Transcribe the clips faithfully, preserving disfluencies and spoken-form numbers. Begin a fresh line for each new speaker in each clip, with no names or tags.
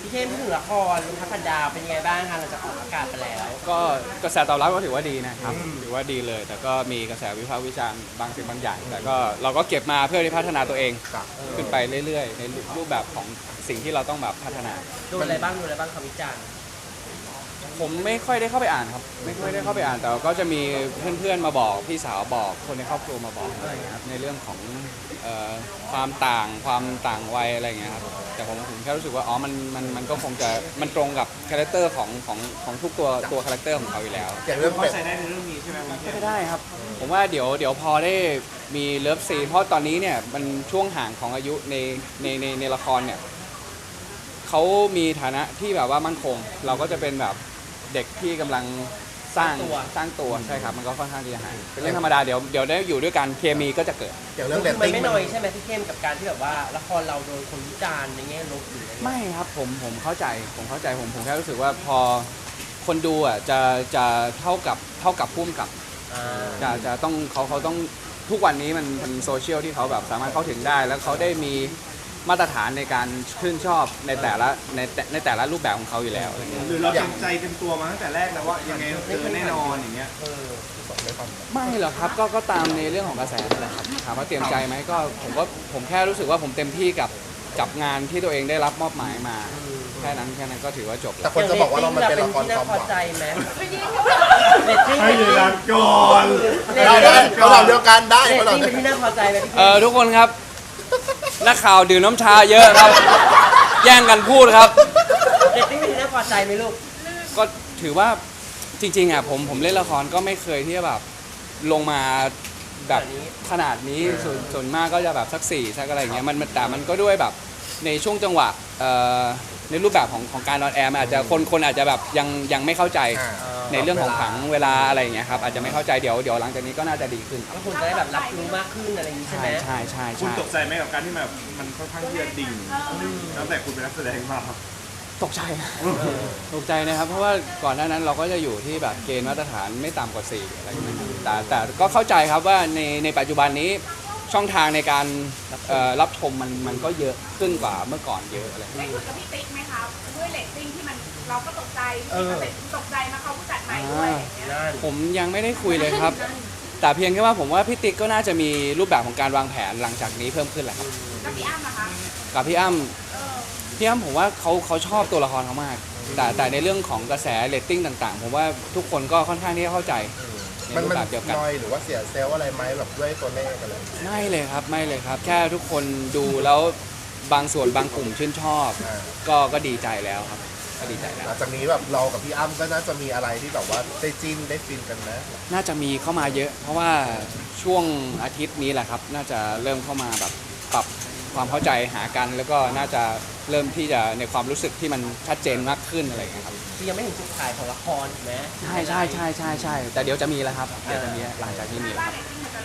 พี่เท่งพูดถึงละครพัพันดาวเป็นยังไงบ้างคะหลังจากออกอากาศไปแล้ว
ก็กระแสตอบรับก็ถือว่าดีนะครับถือว่าดีเลย แต่ก็มีกระแสวิพากษ์วิจารณ์บางสิ่งบางอย่างแต่ก็เราก็เก็บมาเพื่อที่พัฒนาตัวเองขึ้นไปเรื่อยๆในรูปแบบของสิ่งที่เราต้องแบบพัฒนา
ดูอะไรบ้างดูอะไรบ้างคำวิจารณ์
ผมไม่ค่อยได้เข้าไปอ่านครับไม่ค่อยได้เข้าไปอ่านแต่ก็จะมีเพื่อนๆมาบอกพี่สาวบอกคนในครอบครัวมาบอกอะไรอย่างเงี้ยครับในเรื่องของเอ่อความต่างความต่างวัยอะไรอย่างเงี้ยครับแต่ผมผมแค่รู้สึกว่าอ๋อมันมันมันก็คงจะมันตรงกับคาแรคเตอร์ของของของทุกตัวตัวคาแรคเตอร์ของเขาอยู่แล้ว
อย่างเรื่อง
เขา
เป็ด
ใช้ได้ในเรื่องนี้ใช่ไหมครับ
ก็ได้ครับผมว่าเดี๋ยวเดี๋ยวพอได้มีเลิฟซีนเพราะตอนนี้เนี่ยมันช่วงห่างของอายุในในในในละครเนี่ยเขามีฐานะที่แบบว่ามั่นคงเราก็จะเป็นแบบเด็กที่กำลังสร้างสร้างตัวใช่ครับมันก็ค่อนข้างที่จะห่างเป็นเรื่องธรรมดาเดี๋ยวเดี๋ยวได้อยู่ด้วยกันเคมีก็จะเกิด
อย่างเรื่องเรต
มัน
ติ้ง
ไม่น้อยใช่ไหมพี่เข้มกับการที่แบบว่าละครเราโดนคนวิจารณ์ในแง่ลบหรืออะไร
ไม่ครับผมผมเข้าใจผมเข้าใจผมผมแค่รู้สึกว่าพอคนดูอ่ะจะจะเท่ากับเท่ากับพุ่มกับจะจะต้องเขาเขาต้องทุกวันนี้มันเป็นโซเชียลที่เขาแบบสามารถเข้าถึงได้แล้วเขาได้มีมาตรฐานในการชื่นชอบในแต่ละในในแต่ละรูปแบบของเขาอยู่แล้วอะไรเงี้ย
หรือเราเตรียมใจเตรียมตัวมาตั้งแต่แรกแล้วว่ายังไงเจอแน่นอนอย่างเงี้ย
ไม่หรอกครับก็ก็ตามในเรื่องของกระแสนั่นแหละครับถามว่าเตรียมใจไหมก็ผมก็ผมแค่รู้สึกว่าผมเต็มที่กับกับงานที่ตัวเองได้รับมอบหมายมาแค่นั้นแค่นั้นก็ถือว่าจบแล้
แต่
ว
คนจะบอกว่าเรามันเป็นละคร
ที่น่าพอใจไหม
ให้เวลาก่อน
เราได้เราเราเดียวกันได้
เรต
เรา
ติ้งเป็นที่น่าพอใจไหมพี่
เออทุกคนครับนักข่าวดื่มน้ำชาเยอะครับแย่งกันพูดครับ
เรตติ้งเป็นที่น่าพอใจไหมลูก
ก็ถือว่าจริงๆอ่ะผมผมเล่นละครก็ไม่เคยที่จะแบบลงมาแบบขนาดนี้ส่วนส่วนมากก็จะแบบสักสี่สักอะไรอย่างเงี้ยมันแต่มันก็ด้วยแบบในช่วงจังหวะในรูปแบบของของการนอนแอร์อาจจะคนคนอาจจะแบบยังยังไม่เข้าใจในเรื่องของผังเวลาอะไรอย่างเงี้ยครับอาจจะไม่เข้าใจเดี๋ยวเดี๋ยวหลังจากนี้ก็น่าจะดีขึ้น
ก็คุณจะได้แบบรับรู้มากขึ้นอะไรอย่างนี้ใช่ไหม
ใช่ใช่ใช่
คุณตกใจไหมกับการที่แบบมันค่อนข้างที่จะดิ่งตั้งแต่คุณเป็นนักแสดงมา
ตกใจตกใจนะครับเพราะว่าก่อนหน้านั้นเราก็จะอยู่ที่แบบเกณฑ์มาตรฐานไม่ต่ำกว่าสี่อะไรอย่างเงี้ยแต่แต่ก็เข้าใจครับว่าในในปัจจุบันนี้ช่องทางในการรับชมมันมันก็เยอะขึ้นกว่าเมื่อก่อนเยอะอะไร
ได้คุยกับพี่ติ๊กไหมคะด้วยเรตติ้งที่มันเราก็ตกใจตกใจมาเขาผู้จัดใหม่ด้วย
ผมยังไม่ได้คุยเลยครับแต่เพียงแค่ว่าผมว่าพี่ติ๊กก็น่าจะมีรูปแบบของการวางแผนหลังจากนี้เพิ่มขึ้นแหละครับ
กับพี่อ้ำนะคะ
กับพี่อ้ำพี่อ้ำผมว่าเขาเขาชอบตัวละครเขามากแต่แต่ในเรื่องของกระแสเรตติ้งต่างๆผมว่าทุกคนก็ค่อนข้างที่จะเข้าใจ
มันมันน้อยหรือว่าเสียเซลล์อะไรไหมแบบด้วยตัวเลขอะไร
ไม่เลยครับไม่เลยครับแค่ทุกคนดูแล้วบางส่วนบางกลุ่มชื่นชอบก็ก็ดีใจแล้วครับก็ดีใจแล้ว
หลังจากนี้แบบเรากับพี่อ้ำก็น่าจะมีอะไรที่แบบว่าได้จิ้นได้ฟินกันนะ
น่าจะมีเข้ามาเยอะเพราะว่าช่วงอาทิตย์นี้แหละครับน่าจะเริ่มเข้ามาแบบปรับความเข้าใจหากันแล้วก็น่าจะเริ่มที่จะในความรู้สึกที่มันชัดเจนมากขึ้นอะไรอย่างเงี้ยครับ
คือยังไม่ถึงจุดขายของละครถูกไหม
ใช่ใช่ใช่ใช่ใช่แต่เดี๋ยวจะมีแล้วครับเดี๋ยวจะมีหลังจากนี้มีครับ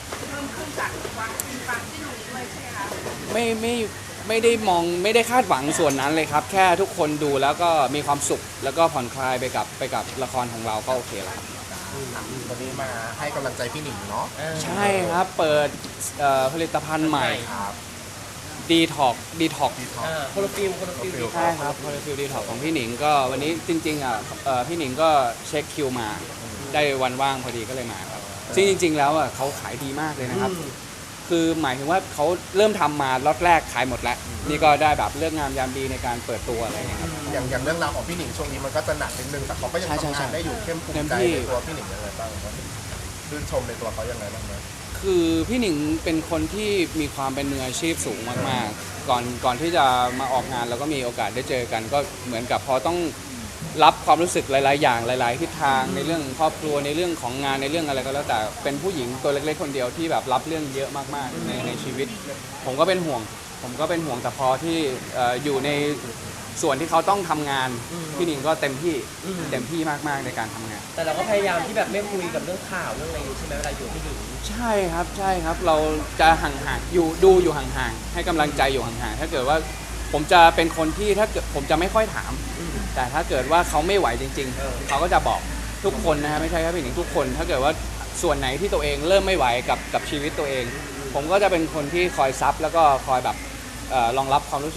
ไม่ไม่ไม่ได้มองไม่ได้คาดหวังส่วนนั้นเลยครับแค่ทุกคนดูแล้วก็มีความสุขแล้วก็ผ่อนคลายไปกับไปกับละครของเราก็โอเคแล้วครับ
วันนี้มาให้กำลังใจพี่หนิงเนาะ
ใช่ครับเปิดผลิตภัณฑ์ใหม่ดีท็อกดีท็อก
โคโลฟิลโคโลฟิล
ใช่ครับโคโลฟิลดีท็อกของพี่หนิงก็วันนี้จริงๆอ่ะพี่หนิงก็เช็คคิวมาได้วันว่างพอดีก็เลยมาครับซึ่งจริงๆแล้วอ่ะเขาขายดีมากเลยนะครับคือหมายถึงว่าเขาเริ่มทำมาล็อตแรกขายหมดแล้วนี่ก็ได้แบบเลือกงามยามดีในการเปิดตัวอะไรอย่างเงี้ยครับ
อย่างอย่างเรื่องราวของพี่หนิงช่วงนี้มันก็จะหนักนิดนึงแต่เขาก็ยังทำงานได้อยู่เข้มภูมิใจในตัวพี่หนิงยังไงบ้างครับชื่นชมในตัวเขายังไงบ้างไหม
คือพี่หนิงเป็นคนที่มีความเป็นมืออาชีพสูงมากๆก่อนก่อนที่จะมาออกงานเราก็มีโอกาสได้เจอกันก็เหมือนกับพอต้องรับความรู้สึกหลายๆอย่างหลายๆทิศทางในเรื่องครอบครัวในเรื่องของงานในเรื่องอะไรก็แล้วแต่เป็นผู้หญิงตัวเล็กๆคนเดียวที่แบบรับเรื่องเยอะมากๆในในชีวิตผมก็เป็นห่วงผมก็เป็นห่วงแต่พอที่อยู่ในส่วนที่เขาต้องทำงานพี่หนิงก็เต็มที่เต็มที่มากๆในการทำงาน
แต่เราก็พยายามที่แบบไม่คุยกับเรื่องข่าวเรื่องอะไรใช่ไหมเวลาอยู่พี่หนิง
ใช่ครับใช่ครับเราจะห่างๆอยู่ดูอยู่ห่างๆให้กำลังใจอยู่ห่างๆถ้าเกิดว่าผมจะเป็นคนที่ถ้าเกิดผมจะไม่ค่อยถามแต่ถ้าเกิดว่าเขาไม่ไหวจริงๆเขาก็จะบอกทุกคนนะฮะไม่ใช่แค่พี่หนิงทุกคนถ้าเกิดว่าส่วนไหนที่ตัวเองเริ่มไม่ไหวกับกับชีวิตตัวเองผมก็จะเป็นคนที่คอยซับแล้วก็คอยแบบรองรับความรู้สึก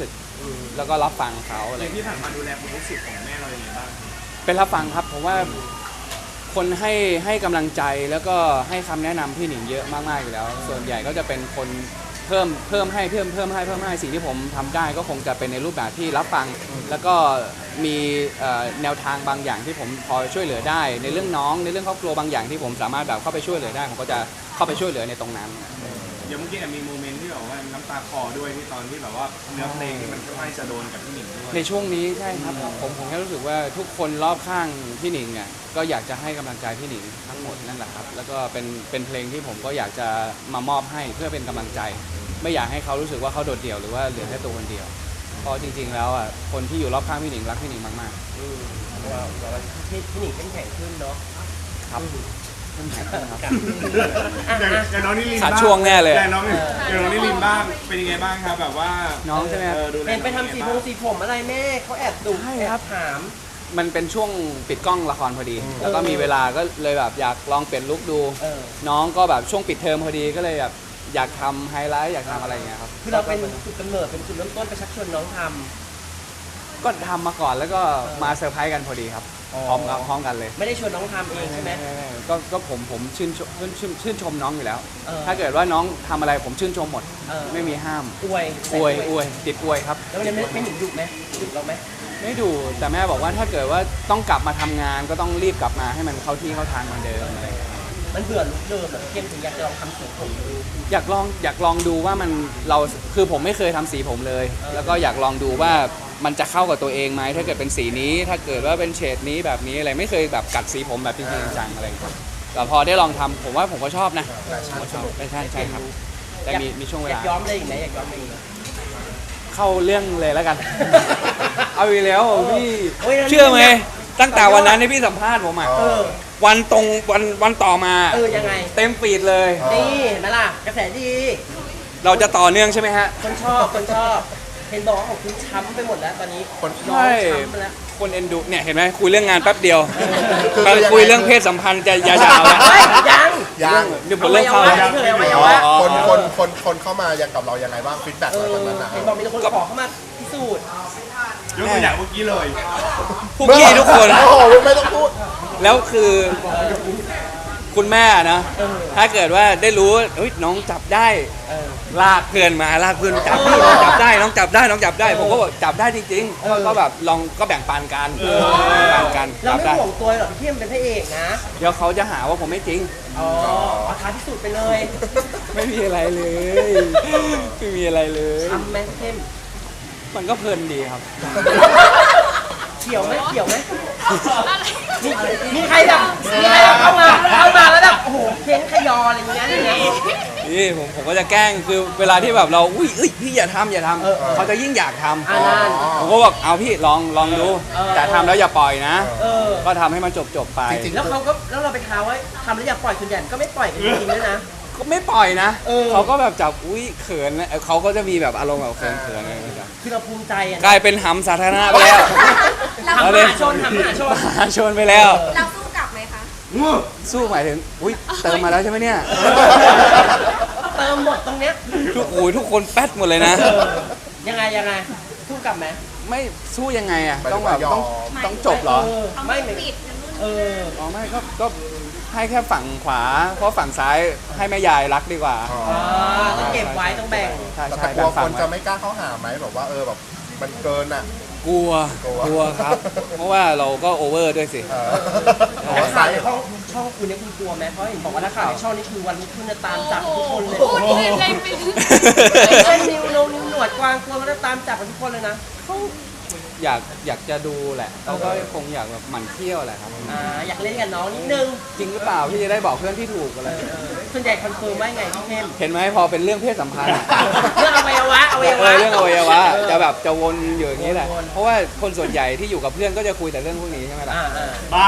แล้วก็รับฟังเขาอะไร
ในที่ผ่านมาดูแลความรู้สึกของแม่เราอย่างไรบ้าง
เป็นรับฟังครับผมว่าคนให้ให้กำลังใจแล้วก็ให้คำแนะนำพี่หนิงเยอะมากๆอยู่แล้ว ส่วนใหญ่ก็จะเป็นคนเพิ่มเพิ่มให้เพิ่มเพิ่มให้เพิ่มให้สิ่งที่ผมทำได้ก็คงจะเป็นในรูปแบบที่รับฟัง แล้วก็มีเอ่อแนวทางบางอย่างที่ผมพอช่วยเหลือได้ ในเรื่องน้องในเรื่องครอบครัวบางอย่างที่ผมสามารถแบบเข้าไปช่วยเหลือได้ผมก็จะเข้าไปช่วยเหลือในตรงนั้น
อย่างเมื่อกี้แอบมีโมเมนต์ที่แบบว่าน้ำตาคลอด้วยที่ตอนที่แบบว่าเนื้อเพลงที่มันค่อนข้างจะโดนกับพี่หนิงด้วย
ในช่วงนี้ใช่ครับผมผมแค่รู้สึกว่าทุกคนรอบข้างพี่หนิงเนี่ยก็อยากจะให้กำลังใจพี่หนิงทั้งหมดนั่นแหละครับแล้วก็เป็นเป็นเพลงที่ผมก็อยากจะมามอบให้เพื่อเป็นกำลังใจ ไม่อยากให้เขารู้สึกว่าเขาโดดเดี่ยวหรือว่าเหลือแค่ตัวคนเดียวเพราะจริงๆแล้วอ่ะคนที่อยู่รอบข้างพี่หนิงรักพี่หนิงมาก
อืมว่าว่าพี่พี่หนิงเข้มแข็งขึ้นเนาะ
ๆครับเข้มแข็งขึ้นครับ
อย่างอย่างน้องนิริน
ขาด
บ้าง
ช่วงแน่เลย
อย่างน้องอย่างน้องนิรินบ้างเป็นยังไงบ้างครับแบบว่า
น้องใช่ไหมครับ
ออดูแล
เห็นไปทำสีผมสีผมอะไรแม่เขาแอบดุ
ใช่
แอ
ครับ
บถาม
มันเป็นช่วงปิดกล้องละครพอดี แล้วก็มีเวลาก็เลยแบบอยากลองเปลี่ยนลุคดู
เออ
น้องก็แบบช่วงปิดเทอมพอดีก็เลยแบบอยากทำไฮไลท์อยากทำอะไรอย่างเงี้ยครับ
คือเราเป็นจุดกำเนิดเป็นจุดเริ่มต้นไปชักชวนน้องท
ก็ทำมาก่อนแล้วก็มาเซอร์ไพรส์กันพอดีครับ
อ๋อ
พร้อมกันพร้อมกันเลย
ำไม่ได้ชวนน้องทำเองใช่ไหม
ก็ก็ผมผมชื่นชมชื่นชื่นชื่นชมน้องอยู่แล้ว
เออ
ถ้าเกิดว่าน้องทำอะไรผมชื่นชมหมด
เออ
ไม่มีห้าม
อวย
อวยอวยติดอวยครับ
แล้ววันนี้ไม่ไม่หนิงดุไหมดุเราไหม
ไม่ดูแต่แม่บอกว่าถ้าเกิดว่าต้องกลับมาทำงานก็ต้องรีบกลับมาให้มันเข้าที่เข้าทางเหมือนเดิมอะไรอย่างเงี้ย
มันเบื่อลุคเดิมแบบเข้มถึงอยากจะลองทำสีผมดู
อยากลองอยากลองดูว่ามันเราคือผมไม่เคยทำสีผมเลย
เออ
แล้วก็อยากลองดูว่ามันจะเข้ากับตัวเองไหมถ้าเกิดเป็นสีนี้ ถ้าเกิดว่าเป็นเฉดนี้แบบนี้อะไรไม่เคยแบบกัดสีผมแบบจริงๆจังๆอะไรอย่างเงี้ยแต่พอได้ลองทำผมว่าผมก็ชอบนะผมก็ชอบใช่ใช่ใช่ครับแต่มีมีช่วงเว
อยา
ลา
กย้อมอะไรอีกไหมอยากย้อมอะไรอีกไหม
เข้าเรื่องเลยแล้วกัน เอาอีกแล้วพี่
โอ้ยแล้วนี่
เชื่อไหมตั้งแต่วันนั้นที่พี่สัมภาษณ์ผมอ่ะ
เออ
วันตรงวันวันต่อมา
เออยังไง
เต็มฟีดเลย
นี่เห็นไหมล่ะกระแสดี
เราจะต่อเนื่องใช่ไหมฮะ
คนชอบคนชอบ เห็นบอกว่าของคุณช้ำไปหมดแล้วตอนนี้
คน
น้อง
ใช่
ช้ำไปแล้ว
คนเอ็นดูเนี่ยเห็นไหมคุยเรื่องงานแป๊บเดียว
คือ
มาคุยเรื่องเพศสัมพันธ์จะยาวๆแล้ว
เฮ้ยยัง
ยัง
เดี๋ยวผมเริ่มเข้า
อ
แล้ว
วัยวะเฉยอวัยวะ
อ๋อ
คนคนคนคนเข้ามายังกับเรายังไงบ้างฟีดแบ็ก
เอ
อะไร
อ
แบบนั้นนะ
เห็นบอกมีแต่คนขอเข้ามาพิสูจน์
ยกตัวอย่างเมื่อกี้เลย
พวกพี่ทุกคน
โอ้โหไม่ต้องพูด
แล้วคือคุณแม่นะ
เออ
ถ้าเกิดว่าได้รู้เฮ้ยน้องจับได้
เออ
ลากเพื่อนมาลากเพื่อนมาจับพี่น้องจับได้น้องจับได้น้องจับได้ผมก็บอกจับได้จริงๆ
เออ
ก็แบบลองก็แบ่งปันกันแบ่งปันกัน
เรา
จับ
ไม่
ได้
ห่วงตัวหรอกที่มันเป็นพระเอกนะ
เดี๋ยวเขาจะหาว่าผมไม่จริง
อ๋อเอาท้าพิสูจน์ไปเลย
ไม่มีอะไรเลยไม่มีอะไรเลย
ทำไหมเข้ม
มันก็เพลินดีครับ
เขียวไหมเขียวไหมมีมีใครแบบมีใครแบบเข้ามาเข้ามาแล้วแบบโอ้โหเค้นขยออะไรอย่างเงี้ยอย่างเงี้ย
นี่ผมผมก็จะแกล้งคือเวลาที่แบบเราอุ้ยเอ้ยพี่อย่าทำอย่าท
เออเออ
ำเขาจะยิ่งอยากท
อ่า
ำ
นั่น
ผมก็บอกเอาพี่ลองลองดู
เออ
แต่ทำแล้วอย่าปล่อยนะ
เออ
ก็ทำให้มันจบจบๆไป
จริง
แล้วเขาก็แล้วเราไปท้าว่าทำแล้วอย่าปล่อยส่วนใหญ่ก็ไม่ปล่อยกันจริงๆด้วยนะ
ก็ไม่ปล่อยนะ
เออ
เขาก็แบบจับอุ้ยเขินนะเออเขาก็จะมีแบบอารมณ์แบบเขินเขินอะไรแบบ
คือเราภูมิใจอะ
กลายเป็นหำสาธารณะไปแล้ว
ทำมหาชนทำมหาชน
มหาชนไปแล้ว
เราสู้กลับไหมคะ
สู้หมายถึงอุ้ยเติมมาแล้วใช่ไหมเนี่ย
เติมหมดตรงเนี้ย
ทุกโอ้ยทุกคนแป๊ดหมดเลยนะ
เออยังไงยังไงสู้กลับไหม
ไม่สู้ยังไงอ่ะ
หมาย
ต้
ถึ
อง
ง
แบ
ว่า
บ
ยอ
ต้อง
ม
ต้องจบเหรอ
เออไม่เหมือน
ปิดกันนู่น
เออ
อ๋อไม่ก็ก็ให้แค่ฝั่งขวา เพราะฝั่งซ้ายให้แม่ยายรักดีกว่า
อ๋อ
อ่าต้องเก็บไว้ต้องแบ่ง
ใช่
แต่
ใช่
กลัว
แบ่งฝั่
ค
ง
น
ไว้
จะไม่กล้าเข้าหาไหมแบบว่าเออแบบมันเกินอ่ะ
กลัว
กลัว
กลัวครับ เพราะว่าเราก็โอเวอร์ด้วยสิ
เออ
แต่
หัวใส
ข่าวในช่องช่องคุณเนี่ยคุณกลัวไหมเพราะเห็นบอกว่านักข่าวในช่องนี้คือวันนี้คุณจะตามจับทุกคนเลย
พูดเล่นอะไรไป
เช่นนิวโนนิวหนวดกวางกลัวเขาจะตามจับกันทุกคนเลยนะ
อยากอยากจะดูแหละเขาก็คงอยากแบบหมั่นเที่ยวแหละครับ
อ่าอยากเล่นกับน้องนิดนึง
จริงหรือเปล่าพี่จะได้บอกเพื่อนที่ถูกอะไร
เออส่วนใหญ่คอนเฟิร์มว่าไงพี่เข้ม
เห็นไหมพอเป็นเรื่องเพศสัมพันธ์
เรื่องอวัยวะอวัย
เอ
วะ
อเรื่องอวัยวะ
เออ
จะแบบจะวนอยู่อย่างนี้แหละ
วนๆ
เพราะว่าคนส่วนใหญ่ที่อยู่กับเพื่อนก็จะคุยแต่เรื่องพวกนี้ใช่ไหมล่ะ
อ่าอ่า
บ้า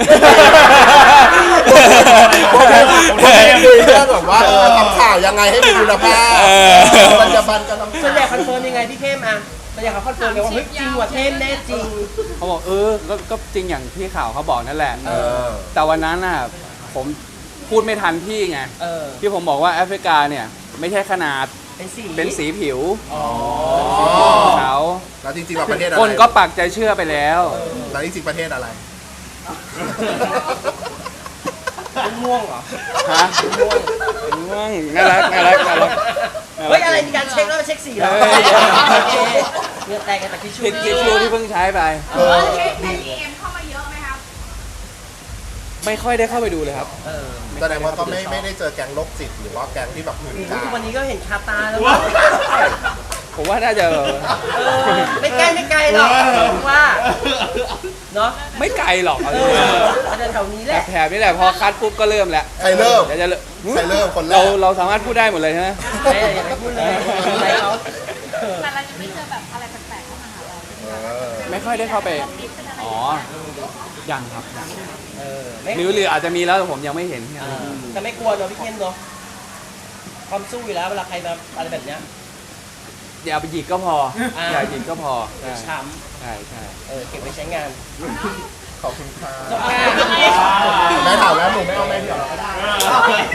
โอเคโอเคคุยเรื่องแบบว่าเออทำข่าวยังไงให้มีคุณภาพ
เออ
ปัจจุบันจะทำ
ส่วนใหญ่คอนเฟิร์มยังไงพี่เข้มอ่ะส่วนใหญ่เขาคอนเฟิร์มเลยว่าเฮ้ยจริงว่ะเข้มแน่จริง
เขาบอกเออก็ก็จริงอย่างที่ข่าวเขาบอกนั่นแหละ
เออ
แต่วันนั้นน่ะผมพูดไม่ทันพี่ไง
เออ
ที่ผมบอกว่าแอฟริกาเนี่ยไม่ใช่ขนาด
เป็นสี
เป็นสีผิว
อ๋อ
ของเขา
แล้วจริงๆเราประเทศอะไร
คนก็ปักใจเชื่อไปแล้ว
แล้วจริงๆประเทศอะไร
เป็นม่วงเหรอ
ฮะง่วงน่ารักน่ารักน่ารักน่า
เฮ้
รั
ยอะไรมีการเช็คแล้วมาเช็คสีเหรอ
เฮ้ย
โอเคเงื่อแตกกันแต่ทิชชู่
ผิดทิชชู่ที่เพิ่งใช้ไป
เออ
เช็คในดีเอ็มเข้ามาเยอะไหมครับ
ไม่ค่อยได้เข้าไปดูเลยครับ
เออ
แสดงว่าก็ไม่ไม่ได้เจอแก๊งโรคจิตหรือว่าแก๊งที่แบบหื่นกา
ทุกวัน
ม
นี้ก็เห็นคาตาแล้ว
ผมว่าน่าจะ
เออไม่ใกล้ไม่ไกลหรอกผมว่าเนาะ
ไม่ไกลหรอกเอา
เอ
จริง
ออาจจะแถวนี้แหละ
ๆแถบนี่แหละพอคัดปุ๊บก็เริ่มแล้ว
ใครเริ่ม
เดี๋ยวจะเริ่ม
ใครเริ่มคนแรก
เราเราสามารถพูดได้หมดเลยใช่ไหม
ไม่อย่าไปพูดเลยอะไรเขาเออ
แต่เราจะไม่เจอแบบอะไรแปลกๆเข้ามาหาเรา
เออ
ไม่ค่อยได้เข้าไป อ๋อ ยังครับยัง
เออไม่
หรือหรืออาจจะมีแล้วแต่ผมยังไม่เห็น
เออแต่ไม่กลัวเนาะพี่เข้มเนาะความสู้อยู่แล้วเวลาใครมาอะไรแบบเนี้ย
อย่าไปหยิกก็พอ
อ่า
อย่าหยิกก็พอใช่
ช้
ใช่ใช่
ำเออเก็บไว้ใช้งาน
ขอบคุณค่ะ
จบค่ะ
แม่ถามแล้วหนูไม่เอาแม่เดี่ยวเราก็ได้